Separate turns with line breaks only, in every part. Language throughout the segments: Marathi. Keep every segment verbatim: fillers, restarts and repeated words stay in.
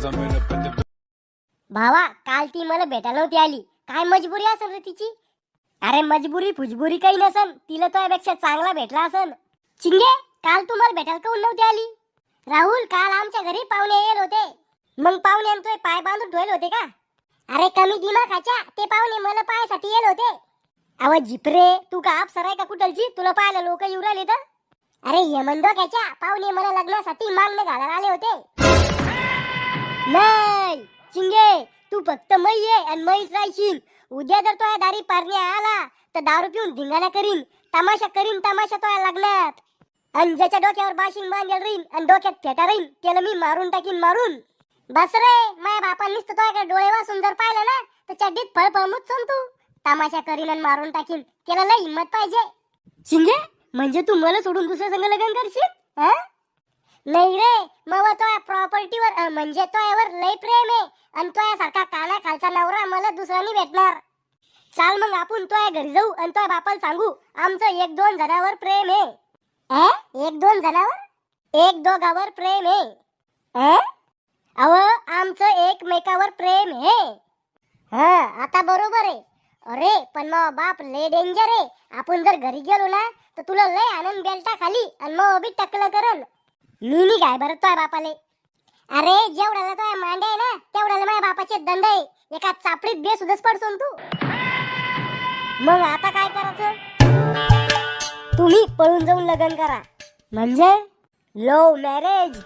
भावा, काल ती मला भेटायला नव्हती आली. काय मजबुरी असेल रे तिची? अरे मजबुरी फुजबुरी काही नसन, तिला तुझ्यापेक्षा चांगला भेटला असन. चिंगे, काल तुम्हाला भेटायला काऊन नव्हती आली? राहुल, काल आमच्या घरी पाहुणे येत होते. मग पाहुणे तुझे पाय बांधून ठेवले होते का? अरे कमी दिमाखाच्या, ते पाहुणे मला पायासाठी येत होते. आवाज जिपरे, तू का अप्सरा आहे का कुठलची? तुला पाहायला लोक येऊ राहिले तर? अरे यमनडोक्याच्या, पाहुणे मला लग्नासाठी मागणे घालायला आले होते. नाही चिंगे, तू फक्त मै ये आणि मैच राहशील. उद्या जर तो दारी पारणे आला तर दारू पिऊन धिंगाणा करीन, तमाशा करीन, तमाशा तो लग्नात. आणि ज्याच्या डोक्यावर बाशिंग बांधेल राहीन आणि डोक्यात फेटा राहीन त्याला मी मारून टाकीन, मारून. बस रे, माझ्या बापांनीच तर तुझ्याकडे डोळे वाचून जर पाहिलं ना तर चड्डीत फळ फळमुच तू. तमाशा करीन आणि मारून टाकीन, त्याला लय हिंमत पाहिजे. चिंगे, म्हणजे तू मला सोडून दुसऱ्या संग लग्न करशील? हा? नाही रे, मग तो प्रॉपर्टीवर म्हणजे तोयावर लय प्रेम आहे आणि तोयासारखा काना खालचा नवरा मला दुसऱ्यानी भेटणार. चाल मग आपण तोया घरी जाऊ आणि तोया बापाला सांगू आमचं एक दोन जणावर प्रेम आहे. अ? एक दोन जणावर? एक दोघावर प्रेम आहे. अ? अव आमचं एकमेकावर प्रेम आहे. हा, आता बरोबर आहे. अरे पण मग बाप लय डेंजर आहे. आपण जर घरी गेलो ना तर तुला लय आनंद बेल्टा खाली आणि मग बी टकलं करल. मी नाही काय बरं तोय बापाले. अरे जेवढ्याला तोय मांडे आहे ना तेवढ्याला माझ्या बापाचे दंड आहे. एका चापडीत बेसुदच पडतो तू. मग आता काय करायचं? तुम्ही पळून जाऊन लग्न करा. म्हणजे लव्ह मॅरेज.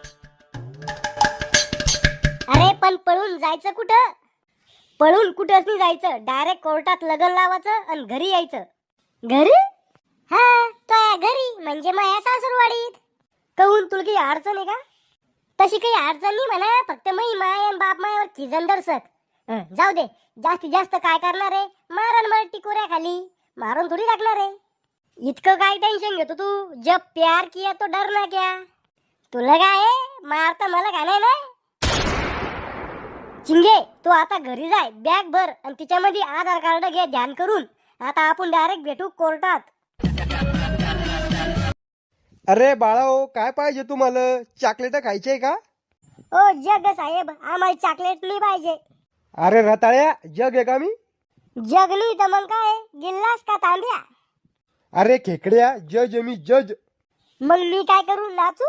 अरे पण पळून जायचं कुठं? पळून कुठंच नाही जायचं, डायरेक्ट कोर्टात लग्न लावायचं आणि घरी यायचं. घरी? हा, तोया घरी म्हणजे माझ्या सासूरवाडीत. कहून तुला काही अडचण आहे का? तशी काही अडचण नाही म्हणा, फक्त मी माय आणि बाप मायावर खिजन दर्शक. जाऊ दे, जास्तीत जास्त काय करणार आहे? मारण मला टिकोऱ्या खाली मारून थोडी टाकणार आहे. इतकं काय टेन्शन घेतो तू? जब प्यार किया तो डरना क्या. तुला काय मारता मला का नाही ना? चिंगे, तू आता घरी जाय, बॅग भर आणि तिच्यामध्ये आधार कार्ड घे ध्यान करून. आता आपण डायरेक्ट भेटू कोर्टात.
अरे बाळाओ, काय पाहिजे तुम्हाला? चॉकलेट खायचे का?
ओ जग साहेब, आम्हाला चॉकलेट नाही पाहिजे.
अरे रताळ्या, जग आहे का मी?
जग नाही तर मग काय, गिल्लास का तांब्या?
अरे खेकड्या, जज आहे मी, जज.
मग मी काय करू, नाचू?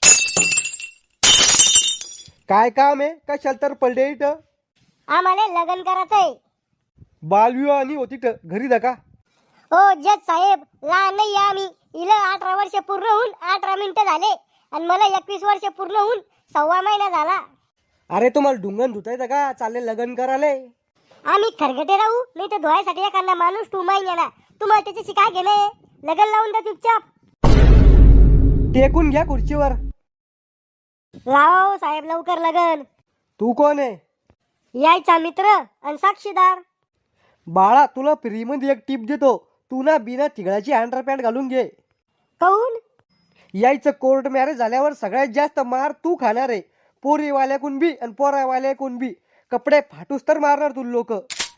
काय काम आहे? कशाला तर पडले इथं?
आम्हाला लग्न करायचंय.
बालविवाह आणि होती इथं, घरी जा का?
हो जज साहेब, लहान नाही आम्ही. हिला अठरा वर्ष पूर्ण होऊन अठरा मिनिटं झाले आणि मला एकवीस वर्ष पूर्ण होऊन सव्वा महिना झाला.
अरे तुम्हाला ढुंगण धुतायचं का? चालले लग्न करायला.
आम्ही खरगटे राहू नाही तर धुवायसाठी एखादा माणूस टू महिन्याला. तुम्हाला त्याच्याशी काय घेणं? लग्न लावून द्या चुपचाप.
टेकून घ्या खुर्चीवर.
लाव साहेब लवकर लगन.
तू कोण आहे?
यायचा मित्र आणि साक्षीदार.
बाळा, तुला फ्री मध्ये एक टिप देतो. तू ना बिना तिघळाची अंडरपॅन्ट घालून घे.
काऊन?
यायचं कोर्ट मॅरेज झाल्यावर सगळ्यात जास्त मार तू खाणार आहे. पोरीवाल्याकून बी आणि पोरावाल्याकून बी. कपडे फाटूस तर मारणार तू लोक.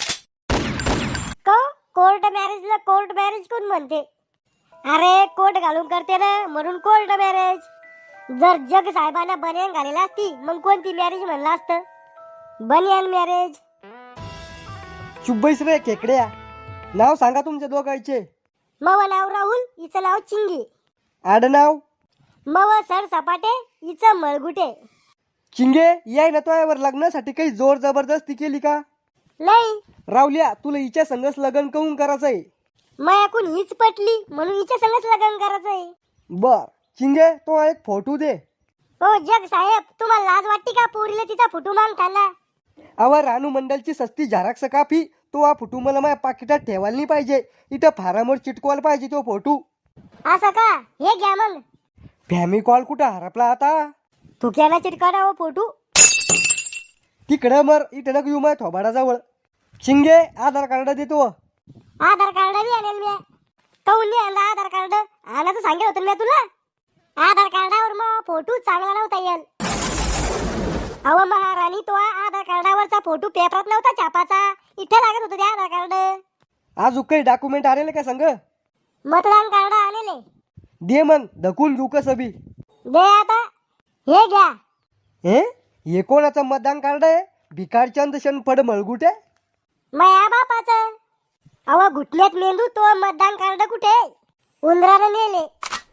का कोर्ट मॅरेजला कोर्ट मॅरेज कोण म्हणते? अरे कोर्ट घालून करते ना म्हणून कोर्ट मॅरेज. जर जग साहेबांना बनियान घालेला असती मग कोणती मॅरेज म्हणलं असतं? बनियान मॅरेज.
चुब्बईस रे खेकड्या. नाव सांगा तुमच्या दोघांचे.
मव नाव राहुल, हिचं नाव चिंगी.
आडनाव?
मव सर सपाटे, हिचं मळगुटे.
चिंगे, याय ना तोयावर लग्नासाठी काही जोर जबरदस्ती केली का?
नाही.
रावल्या, तुला हिच्या संगच लग्न करून करायचंय?
मायाकून हीच पटली म्हणून हिच्या संगच लग्न करायचंय.
बर चिंगे, तो एक फोटो दे.
हो जग साहेब, तुम्हाला लाज वाटते का पोरीला तिचा फोटो मागताना?
अवा रानू मंडलची सस्ती झेरॉक्स कापी. तो हा फोटो मला माझ्या पाकिटात ठेवायला नाही पाहिजे. इथं फारामोर चिटकवायला पाहिजे तो फोटो.
असं का? हे घ्या मग.
फॅमी कॉल कुठं हरपला आता?
थुक्याला चिटकावा हो फोटो.
तिकडं मर, इथं नका येऊ माझ्या थोबाडाजवळ. चिंगे, आधार कार्ड देतो.
आधार कार्ड बी आणेल मी. काऊन नाही आणला आधार कार्ड? आणायचं सांगितलं होतं मी तुला. आधार कार्डावर मग फोटो चांगला नव्हता येईल. अहो महाराणी, तो आधार कार्डावरचा फोटो पेपरात नव्हता छापाचा. इथे लागत होतं ते आधार कार्ड.
आज काही डॉक्युमेंट आलेले का संग?
मतदान कार्ड आलेले.
दे मग, धकून घेऊ कसं बी.
दे आता. हे घ्या.
हे हे कोणाचं मतदान कार्ड आहे? भिकारचंद शनफड मळगुटे.
माया बापाचं. अव घुटण्यात मेंदू, तो मतदान कार्ड कुठे? उंदरानं नेले.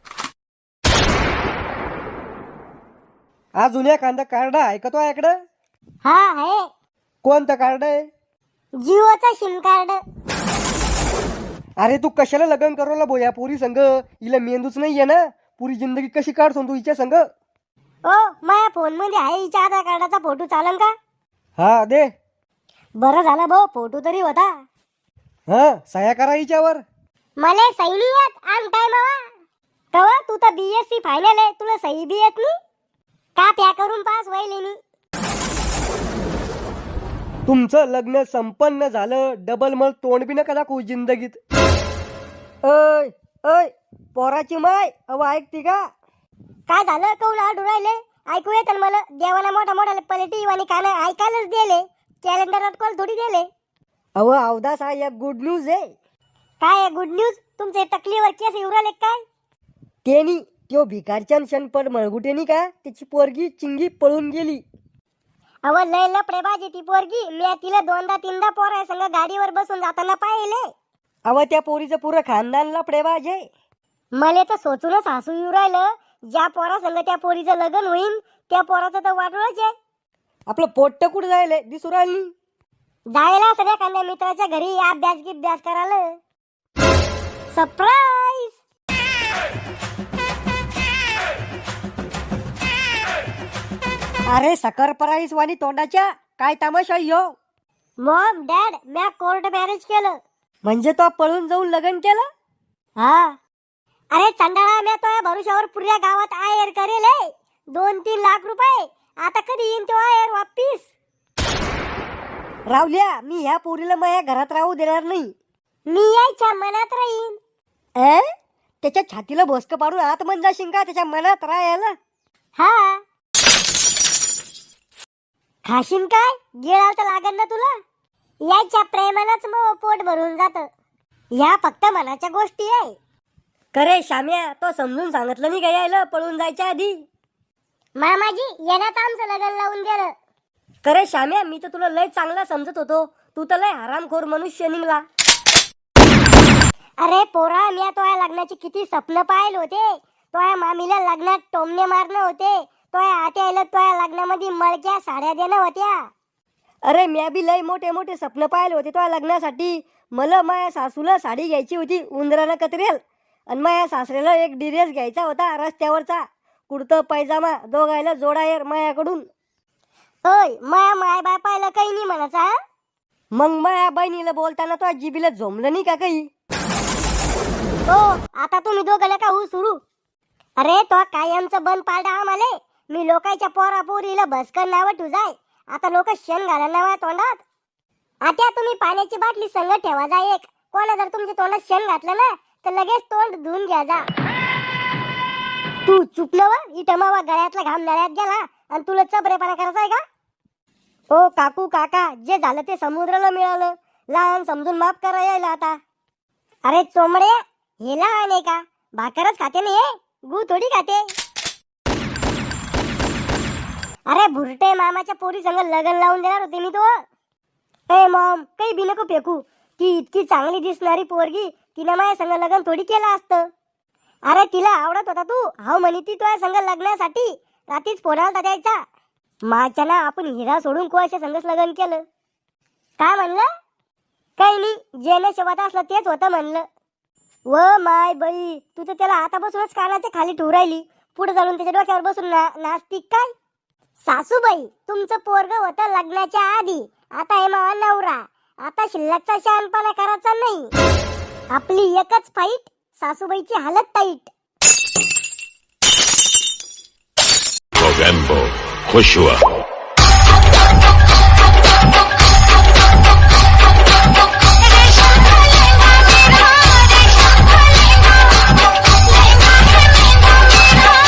अजून एखादं कार्ड आहे का तो इकडं?
हा आहे.
कोणतं कार्ड आहे?
जिओचा सिम कार्ड.
अरे तू कशाला लग्न करवला भो या पोरी संग? हिला मेंदूच नाहीये ना? पुरी जिंदगी कशी काढतो तू हिच्या संग?
ओ माया फोन मध्ये आहे हिच्या आधार कार्डाचा फोटो, चालन का?
हा दे.
बरं झालं भाऊ, फोटो तरी होता.
हा सह्या करा हिच्यावर.
मले सही नाही येत आम टाइमावा. कवा तू तर बीएससी फायनल आहे, तुला सही बी येत नाही का? प्या करून पास व्हायले मी.
तुमचं लग्न संपन्न झालं, डबल मग तोंड बी नका दाखवू जिंदगीत. अय अय पोराची माय, अव ऐकती का?
काय झालं? कौल आडू राहिले. ऐकू येत मला. देवाला मोठा मोठा पलटी आणि कान ऐकायलाच दिले. कॅलेंडरात कॉल थोडी दिले.
अव अवदास हा एक गुड न्यूज आहे.
काय गुड न्यूज? तुमचे तकलीवर केस येऊ राहिले काय?
तेनी त्यो भिकारचंद शनफड मळगुटेनी का त्याची पोरगी चिंगी पळून गेली.
अव लय लपडे बाजी ती पोरगी. मी तिला दोनदा तीनदा पोरा संग गाडीवर बसून जाताना पाहिले.
अव त्या पोरीचं पुरं खानदान लफडेबाज आहे.
मले तर सोचूनच हसू येऊ राहिलं. ज्या पोरा संग त्या पोरीचं लग्न होईल त्या पोराचं तर वाटोळच आहे.
आपलं पोट्ट कुठं जायलंय दिसू राहिली.
जायला सगळ्या कांद्या मित्राच्या घरी अभ्यास गिभ्यास करायला. सरप्राईज.
अरे सकर पराईस वाणी तोंडाच्या काय तमाशा यो?
मॉम डॅड, मी कोर्ट मॅरेज केलं.
म्हणजे तो पळून जाऊन लग्न केलं?
हा. अरे चंडाळा, मी तो या भरुशावर पुऱ्या गावात आयर करेल हे. दोन तीन लाख रुपये. आता कधी येईन तो आयर वापिस?
रावल्या, मी ह्या पोरीला माझ्या घरात राहू देणार नाही.
मी यायच्या मनात राहीन.
ए त्याच्या छातीला भोसक पाडून आत मन जाशील का त्याच्या मनात राहायला?
हा. खाशीन काय? गिळाल तर लागन ना तुला. यायच्या प्रेमानच मग पोट भरून जात. या फक्त मनाच्या गोष्टी आहे.
करे श्याम्या, तो समजून सांगितलं नाही का यायला पळून जायच्या आधी?
मामाजी येण्यात आमचं लग्न लावून गेलं.
करे श्याम्या, मी तर तुला लय चांगला समजत होतो. तू तर लय हरामखोर मनुष्य निघला.
अरे पोरा, मी तो या लग्नाची किती स्वप्न पाहिले होते. तो या मामीला लग्नात टोमणे मारणं होते. तो या आत्याला तो या लग्नामध्ये मळक्या साड्या देणं होत्या.
अरे म्या बी लय मोठे मोठे स्वप्न पाहिले होते तो लग्नासाठी. मला माया सासूला साडी घ्यायची होती उंदरानं कतरेल, आणि माया सासऱ्याला एक ड्रेस घ्यायचा होता रस्त्यावरचा. कुर्तं पैजामा दोघायला जोडायर मायाकडून.
ओय, माया माय बाय पाहिलं काही नाही म्हणाचा.
मग माया बहिणीला बोलताना तो जिबीला झोमलं नाही का काही?
हो, आता तुम्ही दोघं का हो सुरू. अरे तो कायमचं बंद पाडा आम्हाले. मी लोकांच्या पोरा पोरीला भस्कर नावं तुझाय. आता लोक शेण घालायला नावा तोंडात. आता तुम्ही पाण्याची बाटली संग ठेवा जा एक. कोणा जर तुमच्या तोंडात शेण घातलं ना तर लगेच तोंड धुवून घ्या जा. तू चुकलं व इथं मावा गळ्यातला घाम नळ्यात गेला आणि तुला चबरेपणा करायचा आहे का? ओ काकू काका, जे झालं ते समुद्राला मिळालं. लहान समजून माफ करा यायला आता. अरे चोमडे, हे लहान आहे का? भाकरच खाते नाही हे, गू थोडी खाते. अरे भुरटे, मामाच्या पोरी संग लग्न लावून देणार होते मी तो. ए मॉम, काही बी नको फेकू. ती इतकी चांगली दिसणारी पोरगी, तिने माझ्या संग लग्न थोडी केलं असतं. अरे तिला आवडत होता तू, हाव म्हणी ती तुझ्या संग लग्नासाठी. रात्रीच फोन आलता द्यायचा. माझ्या ना आपण हिरा सोडून कोणाच्या संगच लग्न केलं. काय म्हणलं? काही नाही, जे नशिबात असलं तेच होतं म्हणलं. व माय बाई, तू तर त्याला आता बसूनच कानाच्या खाली ठेवू राहिली. पुढे चालून त्याच्या डोक्यावर बसून ना नाचतीक काय? सासूबाई, तुमचं पोरग होतं लग्नाच्या आधी. आता हे मावा नवरा. आता शिल्लकचा शहाणपणा करायचा नाही. आपली एकच फाईट, सासूबाईची हालत टाईट.
Mogambo, खुश हुआ.